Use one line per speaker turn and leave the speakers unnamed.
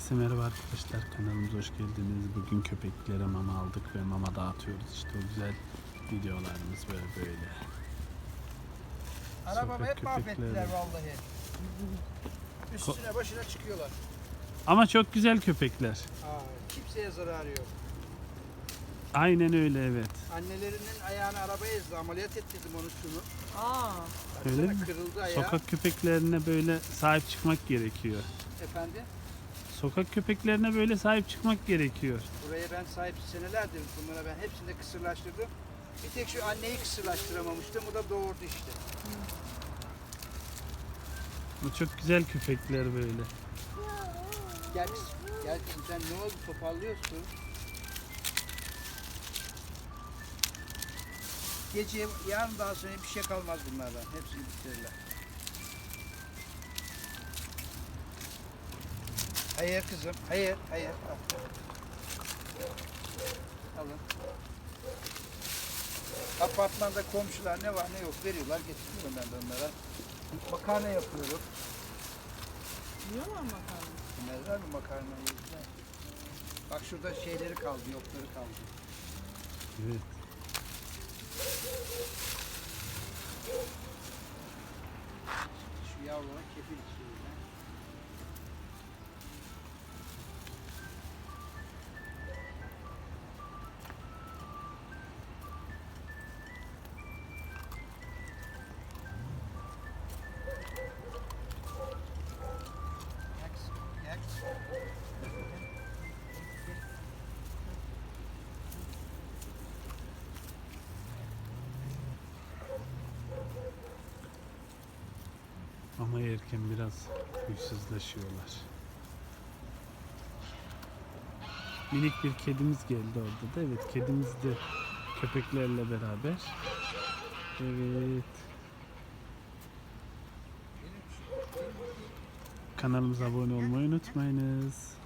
Herkese merhaba arkadaşlar, kanalımıza hoş geldiniz. Bugün köpeklere mama aldık ve mama dağıtıyoruz. İşte o güzel videolarımız böyle.
Arabamı hep
Sokak
mahvettiler
köpekleri.
vallahi. Üstüne başına çıkıyorlar.
Ama çok güzel köpekler.
Kimseye zararı yok.
Aynen öyle, evet.
Annelerinin ayağını arabaya ezdi. Ameliyat ettirdim onu şunu.
Öyle
Baksana,
mi?
kırıldı ayağı.
Sokak köpeklerine böyle sahip çıkmak gerekiyor.
Efendim?
Sokak köpeklerine böyle sahip çıkmak gerekiyor.
Buraya ben sahip senelerdir bunlara ben hepsini de kısırlaştırdım. Bir tek şu anneyi kısırlaştıramamıştım. O da doğurdu işte.
Bu çok güzel köpekler böyle.
Gel kızım. Gel kızım. Sen ne oldu? Toparlıyorsun. Gece yarın daha sonra bir şey kalmaz bunlardan. Hepsini bitirirler. Hayır kızım. Hayır. Alın. Apartmanda komşular ne var ne yok veriyorlar, getiriyorum ben de onlara. Makarna yapıyorum.
Yiyorlar makarna.
Bilmezler mi makarnayı? Bak şurada şeyleri kaldı, yokları kaldı.
Evet.
Şu yavrulara kefir içiyorum ben. Yak.
Ama yerken biraz huysuzlaşıyorlar. Minik bir kedimiz geldi orada da. Evet, kedimiz de köpeklerle beraber. Evet. Kanalımıza abone olmayı unutmayınız.